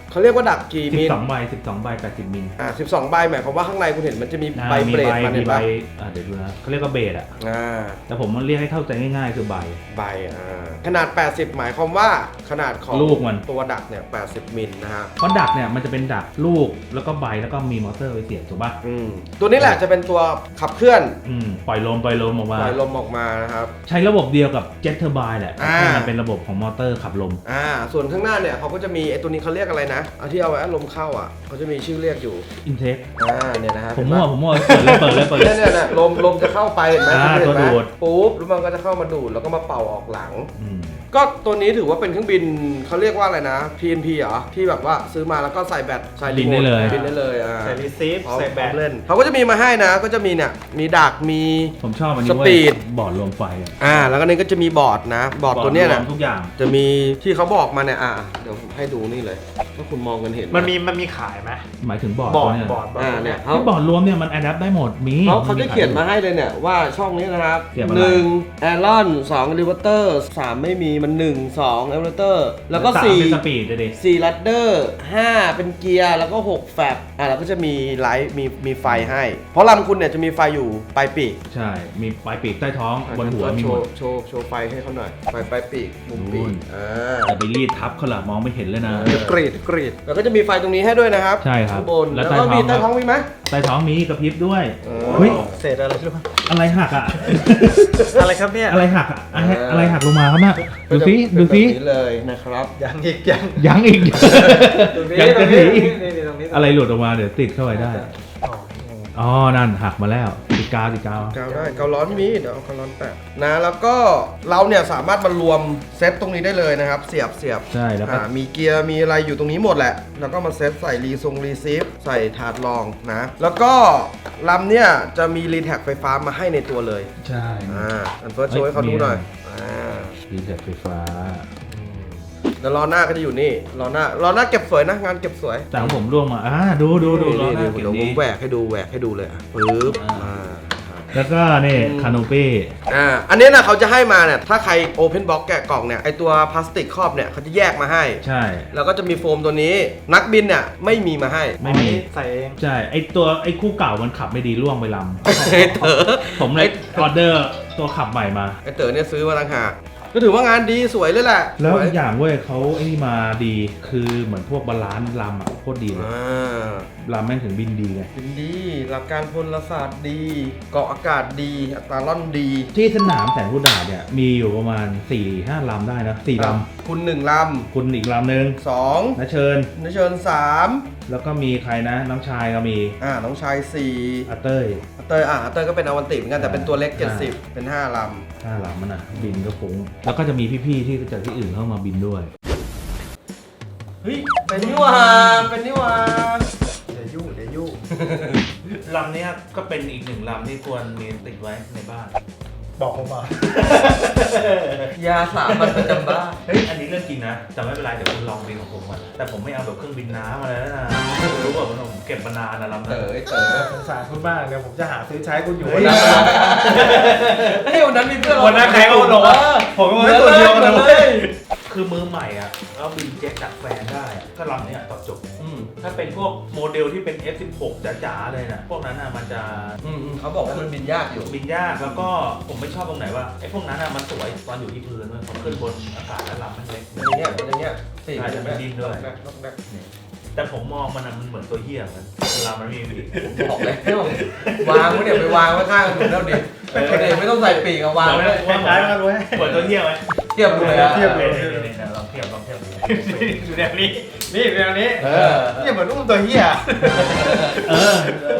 เขาเรียกว่าดักกี่
สิ
มิ
บ
ล
สองใบสิบสองใบแปดสิบมิล
อ่าสิบสองใบหมายความว่าข้างในคุณเห็นมันจะมี
อ่า
ใบ
มี
เบรด
ใบ
มัน
มี
เห็น
ใบ
ปะ
อ่าเดี๋ยวดูนะเขาเรียกว่าเบสอ่ะ
อ่า
แต่ผมมันเรียกให้เข้าใจง่ายๆคือใบ
ใบอ่าขนาด แปดสิบ หมายความว่าขนาดของ
ลูกมัน
ตัวดักเนี่ยแปดสิบมิลนะฮะ
เพราะดักเนี่ยมันจะเป็นดักลูกแล้วก็ใบแล้วก็มีมอเตอร์ไว้เสียบถูกป่ะ
อืมตัวนี้แหละจะเป็นตัวขับเคลื่อน
อืมปล่อยลมปล่อยลมออกมา
ปล่อยลมออกมานะครับ
ใช้ระบบเดียวกับเจ็ตเทอร์บแหละ
อ่า
ที่มันเป็นระบบของมอเตอร์ขับลม
อ่าส่วนข้างหน้าเนี่ยเขาก็จะมีไอ้ตัวนี้เขาเรียกอะไรนะเอาที่เอาไว้ลมเข้าอ่ะเขาจะมีชื่อเรียกอยู่
อินเทค
อ่าเนี่ยนะฮะ
ผม
เห็น
มั่ว
ปะ
ผมมั่วเปิดเลยเปิดเลยเปิดเลย
เนี่ยเนี่ยเนี่ยลมลมจะเข้าไปเห็นไหม
อ่า
เห็นไหม
ตัวดูด
ปุ๊บแล้วมันก็จะเข้ามาดูดแล้วก็มาเป่าออกหลัง
อืม
ก็ตัวนี้ถือว่าเป็นเครื่องบินเขาเรียกว่าอะไรนะ พี เอ็น พี เหรอที่แบบว่าซื้อมาแล้วก็ใส่แบตใส่รีโมท
บินได้เลย
บินได้เลยอ่า
ใส่รีซีฟ
พร้อม
ใส่แบต
เล่นเขาก็จะมีมาให้นะก็จะมีเนี่ยมีดักมี
ผมชอบอันนี้
ส
เว้
ปี
ย
ด
บอร์ดลมไฟอะ
อ่าแล้วก็นี่ก็จะมีบอร์ดนะ บอร์ดตัวเนี้ย
ร
นะ
วมทุกอย่าง
จะมีที่เขาบอกมาเนี่ยอ่าเดี๋ยวให้ดูนี่เลยถ้าคุณมองกันเห็น
มันมีมันมีขายไหม
หมายถึงบอร์ด
บอร์ด
ตัวเนี่ย
บอร์ดบอร์ด
อ่าเนี่ยเขา
ที่บอร์ดรวมเนี่ยมันอัดแอปได้หมดมี
เขาเขาจะเขียนมาให้เลยเนี่ยว่าช่องนี้นะครับ
เขียนมาอะไร
หนึ่งแอรอนสองลิเวอร์เตอร์สามไม่มีมันหนึ่งสองเอเวอร์เตอร์แล้วก็
สาม
สี่
เป็นสปีดเลยดิ
สี่ลัดเดอร์ห้าเป็นเกียร์แล้วก็หกแฟบอ่ะแล้วก็จะมีไลท์มีมีไฟให้ เพราะลำคุณเนี่ยจะมีไฟอยู่ปลายปีก
ใช่มีปลายปีกใต้ท้องบนหัวมี
โช
หมด
ว์โชว์โชว์ไฟให้เขาหน่อยไฟปลายปีกมุมปี
โอ้
ก
ย
อ่า
แต่ไปรีดทับเขาละมองไม่เห็นเลยนะ
เดี๋ยวกรีดกรีดแล้วก็จะมีไฟตรงนี้ให้ด้วยนะครับ
ใช่ครับ
ข้างบน
แล้
แล้ว ว
ใต้
ก็มี
ท้
ใต้
อง
ท้องมีไหม
ใต้ท้องมีกระพริบด้วย
เออ
เฮ้ย
เศษอะไรรู้ไหม
อะไรหักอ่ะ
อะไรครับเนี่ย
อะไรหักอ่ะอะไรอะไรหักลงมาครับน่ะ
ก็
ดู
จะ
สิ
เป็น
ดูสิ
แบบนี้เลยนะครับ
ยังอีกยัง
ยังอีก
ตรงนี้
ยัง
ตร
จะ
ง
ห
นี้
นี
นี่นี่ตรงนี้
อะไรหลุดออกมาเดี๋ยวติดเข้าไปได้
อ๋อ
อ๋อ นั่นหักมาแล้วติดกาวติดกาว
กาวได้กาวร้อนมีเดี๋ยวเอากาวร้อนแปะนะแล้วก็เราเนี่ยสามารถมารวมเซตตรงนี้ได้เลยนะครับ เสียบเสียบ
ใช่แล้วก็
อ่ามีเกียร์มีอะไรอยู่ตรงนี้หมดแหละ แล้วก็มาเซตใส่รีทรงรีซีฟใส่ถาดรองนะ แล้วก็ลำเนี่ยจะมีรีแท็กไฟฟ้ามาให้ในตัวเลย
ใช่
อ่าอันเฟิร์สโชว์ให้เขาดูหน่อยอ่า
รีเซ็ตไฟฟ้า
แล้วล้อหน้าก็จะอยู่นี่ล้อหน้าล้อหน้าเก็บสวยนะงานเก็บสวย
แต่ของผมร่วงมาอ่าดูดูดูล้อหน้า
นี่
เก็บ
เดี๋ยวผ
นี้
มแหวกให้ดูแหวกให้ดูเลยอ่ะปึ๊บ
อ่า
อ่าครับ
แล้วก็นี่คาโนปี้
อ่าอันนี้นะเขาจะให้มาเนี่ยถ้าใครโอเพนบ็อกแกะกล่องเนี่ยไอตัวพลาสติกครอบเนี่ยเขาจะแยกมาให้
ใช่
แล้วก็จะมีโฟมตัวนี้นักบินเนี่ยไม่มีมาให้
ไม่มี
ใส่เอง
ใช่ ไอตัวไอคู่เก่ามันขับไม่ดีร่วงไปล
ไอ้เต๋อ
ำผมเลยออเดอร์ตัวขับใหม่มา
ไอเต๋อเนี่ยซื้อมาต่างหากก็ถือว่างานดีสวยเลยแหละ
แล้ว
สย
อีกอย่างเว้ยเขาไอ้นี่มาดีคือเหมือนพวกบาลานซ์ลำอ่ะโคตรดีเลย
อ่า
ลำแม่งถึงบินดีไง
บินดีหลักการพลศาสตร์ดี เกาะอากาศดีอัตราล่อนดี
ที่สนามแสนพุทธาเนี่ยมีอยู่ประมาณ สี่ห้า ลำได้นะสี่ล
คุณหนึ่งล
ำคุณอีกลำหนึ่ง
ำสอง
นะเชิญ
นเชิญสาม
แล้วก็มีใครนะ น้องชายก็มี
อ่าน้องชายสี่
อาเต้ย
อาเตยอ่าอาเตยก็เป็นอวันติเหมือนกันแต่เป็นตัวเล็ก
อ่า
เจ็ดสิบเป็นห้าล
ห้าลำมันอ่ะ บินก็ฟุ้งแล้วก็จะมีพี่ๆที่จากที่อื่นเข้ามาบินด้วย
ำเฮ้ยเป็นนิวาเป็นนิวา
เดี๋ยวยุ่งเดี๋ยวยุ่ง
ลำนี้ก็เป็นอีกหนึ่งลำที่ควรมีติดไว้ในบ้าน
บอกผมมา
ยาสามัญประจำบ้าน
เฮ้ย อันนี้เรื่องจริงนะ แต่ไม่เป็นไร เดี๋ยวคุณลองบินของผมก่อนแต่ผมไม่เอาแบบเครื่องบินน้ำมาแล้วนะ รู้ป่ะผมเก็บมานานนะลำ
เต๋
นั้น
อไอ้เต๋อ
สงสารคุณมากเดี๋ยวผมจะหาซื้อใช้คุณอยู่
เฮ้ย
วันนั้น
เฮ้ยวันนั้นมีเพื่อน
วันนั้นใครก็ลงว่าผมก็ไม่ตัวเดียวกันเลย
คือมือใหม่อ่ะแล้วบินเจ็ตดักแฟนได้อะก็ลำเนี้ยตอบโจบ
อืม
ถ้าเป็นพวกโมเดลที่เป็น เอฟ สิบหก จ๋าๆเลยนะพวกนั้นอ่ะมันจะ
อืมอืมเขาบอกว่ามันบินยากอยู่
บินยากแล้วก็ผมไม่ชอบตรงไหนว่าไอ้พวกนั้นอ่ะมันสวยตอนอยู่ที่พื้นเลยพอขึ้นบนอากาศแล้วลำมันเล็ก
เป็นอย่างเงี้ยเป็นอย่างเงี้ยสี่
ใช่จะเป็นดินด้วย
แบกแบกแบก
แต่ผมมองมันอะมันเหมือนตัวเหี้ยเหมือนเวลามันไมมีปีก
บอกเลยวางไว้เดี๋ยวไปวางไว้ข้างถนนแล้วดิเดี๋ยวไม่ต้องใส่ปีกอะวางไว้
คล้ายๆกันเลย
เหมือนตัวเหี้ยไหม
เทียบดูเลยอะ
เทียบเลย
นี่ๆๆลองเทียบลองเทียบดู
อยู่แนวนี้ นี่แนวนี้
เออ
นี่เหมือนอุ้มตัวเหี้ย
เออ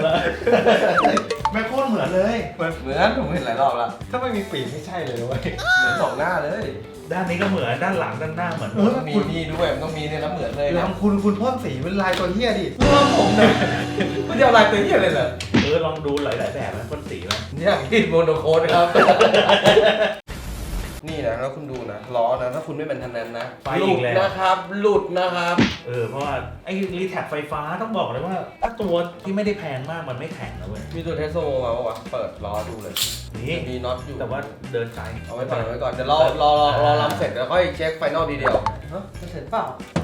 ไม่โคตรเหมือนเลย
เหมือนผมเห็นหลายรอบแล้ว
ถ้าไม่มีปีกไม่ใช่เลยเว้ย
เหมือนสองหน้าเลย
ด้านนี้ก็เหมือนด้านหลังด้านหน้าเหมือน
เออ
มีนี่ด้วยมันต้องมีเนี่ยแล้วเหมือนเลยนะ
ลำคุณคุณเพิ่มสีเป็นลายตัวเหี้ยดิ
เรื่องผมเนี่ยมันจะเอาลายตัวเหี้ยเลยเหรอ
เออลองดูหลายๆแบบนะพ่นสีไหม
เนี่ยกินโมโนโคดครับ นี่นะแล้วคุณดูนะล้อนะถ้าคุณไม่เป็นทันนั้นนะหลุดนะครับหลุดนะครับ
เออเพราะว่าไอ้รีแท็กไฟฟ้าต้องบอกเลยว่า ถ้าตัวที่ไม่ได้แพงมากมันไม่แข็งนะเว้ย
มีตัวเทสโซมาปะวะเปิดล้อดูเลย
นี่
มีน็อตอยู่
แต่ว่าเดินไกล
เอาไว้ก่อนเอาไว้ก่อนเดี๋ยวรอรอรอรอรำเสร็จแล้วค่อยเช็คไฟนอลดีเดียวฮะจะเสร็จเปล่า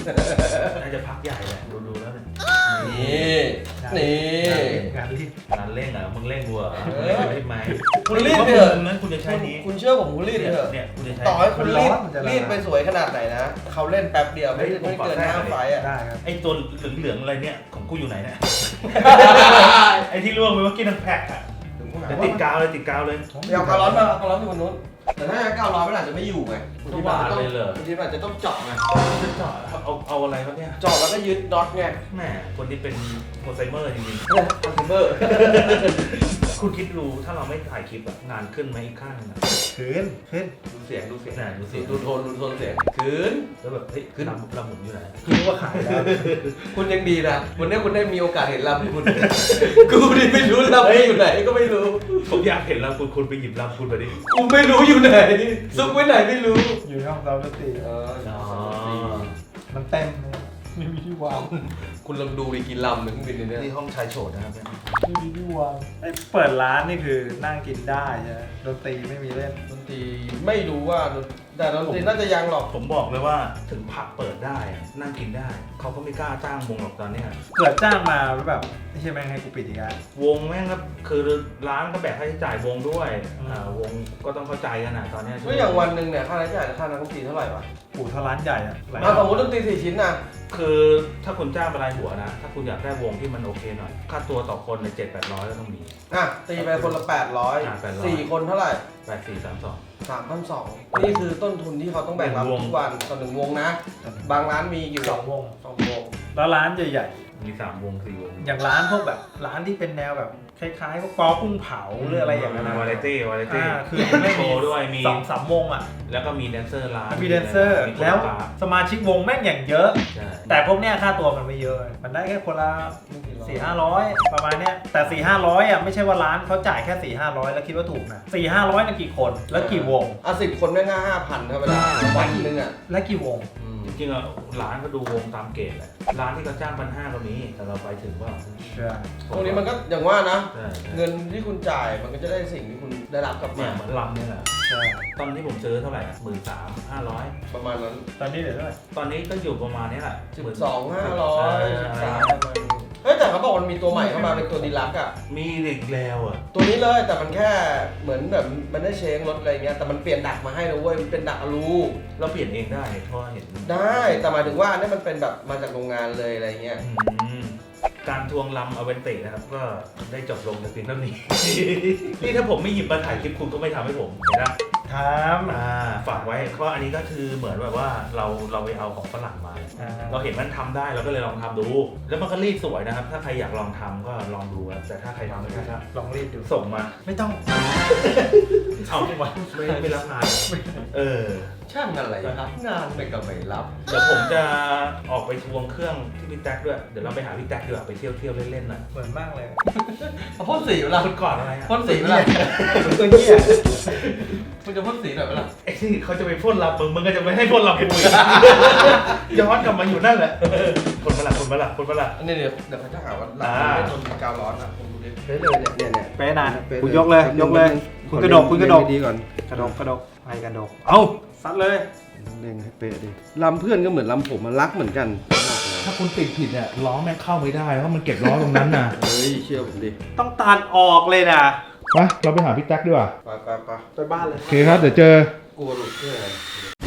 น่าจะพักใหญ่แหละดูๆแล้วเนี่ย
นี่นี่
งานรีบ
งานเร่งเหรอมึงเร่งกูเหรอ
เอ
มึง
อ
เร่งรีบไหม
คุณรีด
เพราะ
เถอะ
มุมนั้นคุณจะใช้นี้
คุณเชื่อผมคุณรีด
เนี่ย
เถอะ
เนี่ยคุณจะใช้
ต่อให้คุณรีด
มันจะ
รีดไปสวยขนาดไหนนะเขาเล่นแป๊บเดียวไม่ไม่เกินห้าไฟล์อ่ะ
ได้ครับ
ไอ้ตัวเหลืองๆอะไรเนี่ยของกูอยู่ไหนเนี่ย ไอ้ที่ร่วงไปเมื่อกี้ทั้งแพ็คอะเดี๋ยวติดกาวเลยติดกาวเลย
เดี๋ยวการ้อนมาการ้อนอยู่บนนู้นแต่ถ้าเก้าร้อยมันอาจจะไม่อยู่ไงบางทีมันอาจจะต้อง
เลยเหรอ
บางทีมันอาจจะต้องเจาะไง
จะเจาะเอาเอาอะไรครับเนี่ย
เจาะแล้วก็ยึดน็อตไง
แหมคนที่เป็นโปรไซเมอร์จริง
คอนเทนเบอร์
ๆ คุณคิดดูถ้าเราไม่ถ่ายคลิปอะงานขึ้นไหมอีกข้างหนึงอะ
ขึ้นขึ้น
ดูเสียงดูเสียง
น่ะดูสิ
ดูโทนดูโทนเสียงคืน
แล้วแบบเฮ้ย
ขึ้น
ลำลำหมุนอยู่ไหน
คิดว่าขายแล้ว
คุณยังดีนะวันนี้คุณได้มีโอกาสเห็นลำคุณ กูนี่ไม่รู้ลำไม่อยู่ไหนก็ไม่รู้
ผมอยากเห็นลำคุณคุณไปหยิบลำคุณมาดิ
กูไม่รู้อยู่ไหนซุกไว้ไหนไม่รู้
อยู่ในห้องซ้อมดนตรี
เออ
อ๋อ
มันเต็มเลยไม่มีที่วาง
คุณลองดูดิกินลำหนึ่งเครื่องบินเนี่ย
นี่ห้องชายโฉดนะครับเนี่ย
ไม่มีที่วางไอ้เปิดร้านนี่คือนั่งกินได้ใช่ไหมดนตรีไม่มีเล่น
ดนตรีไม่รู้ว่าแต่ดนตรีน่าจะยังหรอก
ผมบอกเลยว่าถึงผับเปิดได้อะนั่งกินได้ เขาก็ไม่กล้าจ้างวงหรอกตอนเนี้ย
เกิดจ้างมาแล้วแบบไม่ใช่แม่งให้กูปิดอีกแล้ว
วงแม่งก็คือร้านก็แบกค่าใช้จ่ายวงด้วย
อืม
อ่าวงก็ต้องเข้าใจกันนะตอนเนี้ย
ก็อย่างวันหนึ่งเนี่ยค่าใช้จ่ายค่านักดนตรีเท่าไหร่วะ
ปู่เท่าร้านใหญ่อะหลาย
อ่ะสมมติดนตรีสี่ชิ้นนะ
คือถ้าคุณจ้างเป็นรายหัวนะ ถ้าคุณอยากได้วงที่มันโอเคหน่อย ค่าตัวต่อคนในเจ็ดแปดร้อยก็ต้องมี
อ่ะตีไปคนละแปดร้อย
อ่ะแปดร้อย
สี่คนเท่าไหร่
แปดสี่สามสอง
สามพันสองนี่คือต้นทุนที่เขาต้องแบกรับ
หนึ่งวง
ทุกวันต่อหนึ่งวงนะ บางร้านมีกี่
สองวง
สองวง
แล้วร้านใหญ่
มีสามวงสี่วง
ๆ อย่างร้านพวกแบบร้านที่เป็นแนวแบบคล้ายๆพวกปอกุ้งเผาหรืออะไรอย่างนั้นนะ
วาไรตี้วาไรตี้
อ่าคือไม่
โช
มี
ว์ด้วยมี
สองสามวงอ่ะ
แล้วก็มีแดนเซอร์ร้าน
มีแดนเซอร์
มีโค
แล้ว
โรกราฟ
สมาชิกวงแม่งอย่างเยอะ
ใช่
แต่พวกเนี้ยค่าตัวมันไม่เยอะ มันได้แค่คนละสี่ห้าร้อยประมาณเนี้ยแต่สี่ห้าร้อยอ่ะไม่ใช่ว่าร้านเขาจ่ายแค่สี่ห้าร้อยแล้วคิดว่าถูกนะสี่ห้าร้อยนั่นกี่คนแล้วกี่วง
อ่ะสิบคนไม่ง่าห้าพันเท่าไหร่วันหนึ่งอ่ะ
และกี่วง
อืม
จริงๆอะร้านก็ดูวงตามเกณฑ์แหละร้านที่เขาจ้างพันห้าก็มีแต่เราไปถึงว่า
ใช่
พวกนี้มันก็อย่างว่านะ
ใช่ใช่
เงินที่คุณจ่ายมันก็จะได้สิ่งที่คุณได้รับกลับ
เนี่
มา
ยเหมือนลำเนี่ยแหละ
ใช่
ตอนที่ผมซื้อเท่าไหร่หมื่นสามห้าร้อย
ประมาณนั้น
ตอนนี้เดี๋ยวเท่าไหร่
ตอนนี้ก็อยู่ประมาณนี้แหละ
สิบสองห้าร้อยสิบสามประมาณนี้เฮ้ยแต่เขาบอกมันมีตัวใหม่เข้ามาเป็นตัวดีลักซ์อ่ะ
มีเด็กแล้วอ่ะ
ตัวนี้เลยแต่มันแค่เหมือนแบบมันได้เชงรถอะไรเงี้ยแต่มันเปลี่ยนดักมาให้นะเว้ยมันเป็นดักอลู
เราเปลี่ยนเองได้เพราะว่าเห็น
ได้แต่หมายถึงว่าอันนี้มันเป็นแบบมาจากโรงงานเลยอะไรเงี้ย
อืมการทวงลำเอาเวนเตนะครับ ก็ได้จบลงแต่เพียงเท่านี้ นี่ถ้าผมไม่หยิบมาถ่ายคลิปคุณก็ไม่ทำให้ผมเห็นไหม
ท
อ่าฝากไว้เพราะอันนี้ก็คือเหมือนแบบว่าเราเราไปเอาของฝรั่งมา
ำอ่า
เราเห็นมันทำได้เราก็เลยลองทำดู แล้วมันก็รีดสวยนะครับ ถ้าใครอยากลองทำก็ลองดูครับแต่ถ้าใครทำไม่ได้ก็
ลองรีดดู
ส่งมา
ไม่ต้อง
เอาไม่ไม่ไม่รับงานเออ
ช่างอะไรครับงานไม่ก็ไม่รับ
เดี๋ยวผมจะออกไปทวงเครื่องที่พี่แท็กด้วยเดี๋ยวเราไปหาพี่แท็กดีกว่าไปเที่ยวเที่ยวเล่นๆหน่อย
เหมือนมากเลย
เอาพ่นสีเวลา
คุณก่อนอะไรอ่ะ
พ่นสีเวลา
ตัวเนี้ย
คุณจะพ่นสีหน่อยเวลา
ไอ้ที่เขาจะไปพ่นลับมึงมึงก็จะไม่ให้พ่นลับกูอีกย้อนกลับมาอยู่นั่นแหละคนมาละคนมาละคนมาละ
อันนี้เดี๋ยวเดี๋ยวเขาจะหาว่าเรา
อ่า
ไม่ทนกาวร้อนอ่ะผมดูดิเป๊ะเลยเนี่ยเนี่ยเนี่ย
เป๊ะนะ
ป๊ะ
คุณยกเลยยกเลย
ข
คุ
อ
ณกระดกคุณกระดก
เรียนดีๆก่อน
กระดกกระดกไปกระดก เอาซัดเลย
เร่งให้เป๊ะดิลำเพื่อนก็เหมือนลำผมมันรักเหมือนกัน
ถ้าคุณติดผิดเนี่ยล้อแม่งเข้าไม่ได้เพราะมันเก็บล้อตรงนั้นนะ
เฮ้ยเชื่อผมดิ
ต้องตัดออกเลยนะ
ไปเราไปหาพี่แท็กดีกว่า
ไปไปไป
ไปบ้านเลย
โอเคครับเดี๋ยวเจอ
กลัวหลุดเชื่ออะไร